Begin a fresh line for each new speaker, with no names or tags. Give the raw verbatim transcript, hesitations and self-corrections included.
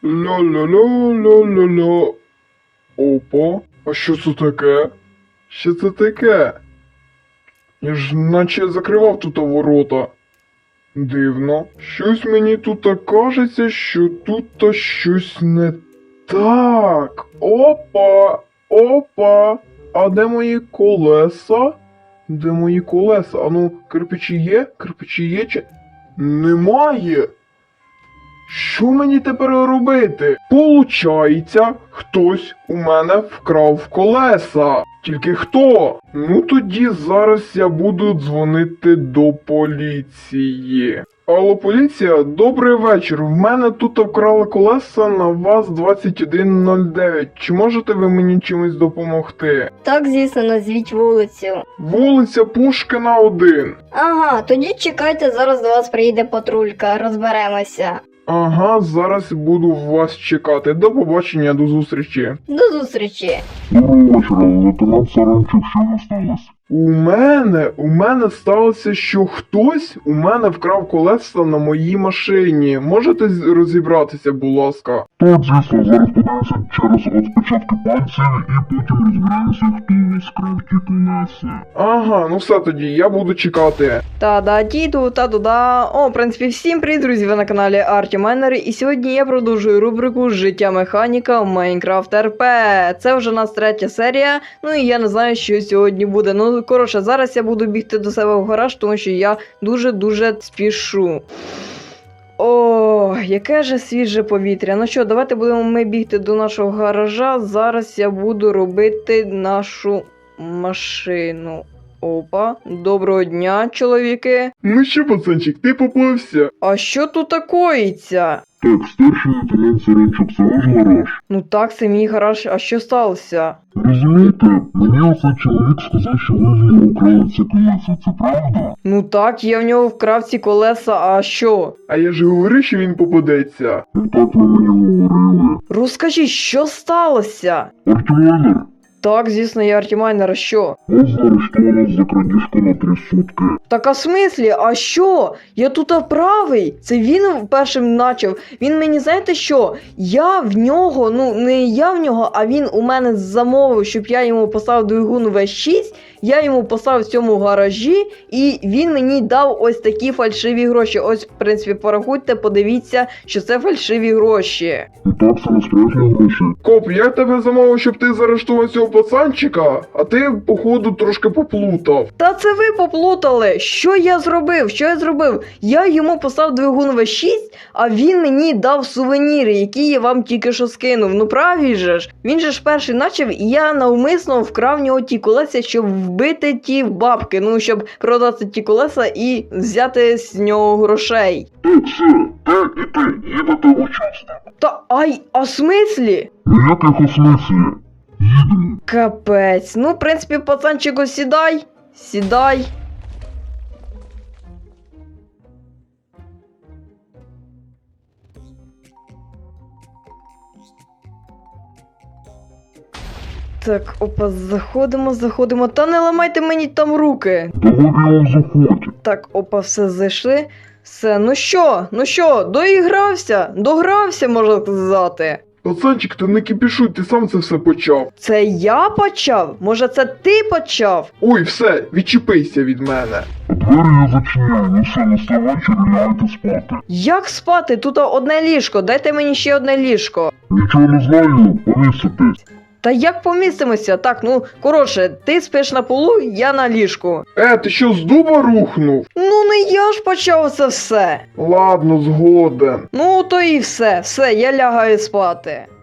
Ля-ля-ля-ля-ля-ля. Опа, а що це таке? Що це таке? Я ж наче закривав тут ворота. Дивно. Щось мені тут кажеться, що тут щось не так. Опа! Опа! А де мої колеса? Де мої колеса? Ану, кирпичі є? Кирпичі є чи... Немає! Що мені тепер робити? Получається, хтось у мене вкрав колеса. Тільки хто? Ну тоді зараз я буду дзвонити до поліції. Алло, поліція, добрий вечір. В мене тут вкрали колеса на ВАЗ двадцять один нуль дев'ять. Чи можете ви мені чимось допомогти?
Так, звісно, назвіть вулицю.
Вулиця Пушкіна один.
Ага, тоді чекайте, зараз до вас приїде патрулька, розберемося.
Ага, зараз буду вас чекати. До побачення, до зустрічі.
До зустрічі.
Доброго вечора, лейтенант Саранчук, що у вас сталося?
У мене, у мене сталося, що хтось у мене вкрав колеса на моїй машині. Можете з- розібратися, будь ласка?
Так, звісно, зараз подивимося через відпечатки пальців і потім розберемося, хто у вас крав ті колеса.
Ага, ну все тоді, я буду чекати.
Та-да, діду, та-да-да. О, в принципі, всім привіт, друзі, ви на каналі Арті Майнер, і сьогодні я продовжую рубрику «Життя механіка в Майнкрафт РП». Це вже у нас третя серія, ну і я не знаю, що сьогодні буде. Ну, коротше, зараз я буду бігти до себе в гараж, тому що я дуже-дуже спішу. О, яке же свіже повітря. Ну що, давайте будемо ми бігти до нашого гаража. Зараз я буду робити нашу машину. Опа, доброго дня, чоловіки.
Ну що, пацанчик, ти попався?
А що тут такоїться?
Так, старший лейтенант Саранчук, це ваш гараж?
Ну так, це мій гараж, а що сталося?
Розумієте, мені оцей чоловік сказав, що ви в нього украли ці колеса, це правда?
Ну так, я в нього вкрав ці колеса, а що?
А я ж говорив, що він попадеться.
Ну так ви мені говорили.
Розкажіть, що сталося?
Артемайнер,
Так, звісно, я Артімайнер, а що?
вас заарештовано за крадіжку на три сутки.
Так, а в смислі, а що? Я тут правий. Це він першим начав. Він мені, знаєте що? Я в нього, ну не я в нього, а він у мене замовив, щоб я йому поставив двигун ве шість. Я йому поставив в цьому гаражі, і він мені дав ось такі фальшиві гроші. Ось, в принципі, порахуйте, подивіться, що це фальшиві гроші.
І так, це не справжні гроші.
Коп, я тебе замовив, щоб ти заарештував цього пацанчика, а ти, походу, трошки поплутав.
Та це ви поплутали. Що я зробив? Що я зробив? Я йому поставив двигун ве шість, а він мені дав сувеніри, які я вам тільки що скинув. Ну правильно же ж. Він же ж перший начав, і я навмисно вкрав в нього ті колеса, щоб вбити ті бабки. Ну, щоб продати ті колеса і взяти з нього грошей.
Так, все, так, і ти, їдете в участок.
Та ай, а в смислі?
Ніяких у смислі. Їдемо.
Капець. Ну, в принципі, пацанчику, сідай. Сідай. Так, опа, заходимо, заходимо. Та не ламайте мені там руки.
Давай заходь.
Так, опа, все зайшли. Все, ну що, ну що, доігрався? Догрався, можна сказати.
Пацанчик, ти не кипішуй, ти сам це все почав.
Це я почав? Може, це ти почав?
Ой, все, відчепися від мене.
Двері я зачиняю, ну все, настав вечір, лягайте спати.
Як спати? Тут одне ліжко, дайте мені ще одне ліжко.
Нічого не знаю, повіситись.
Та як помістимося? Так, ну, коротше, ти спиш на полу, я на ліжку.
Е, ти що, з дуба рухнув?
Ну, не я ж почав це все.
Ладно, згоден.
Ну, то і все, все, я лягаю спати.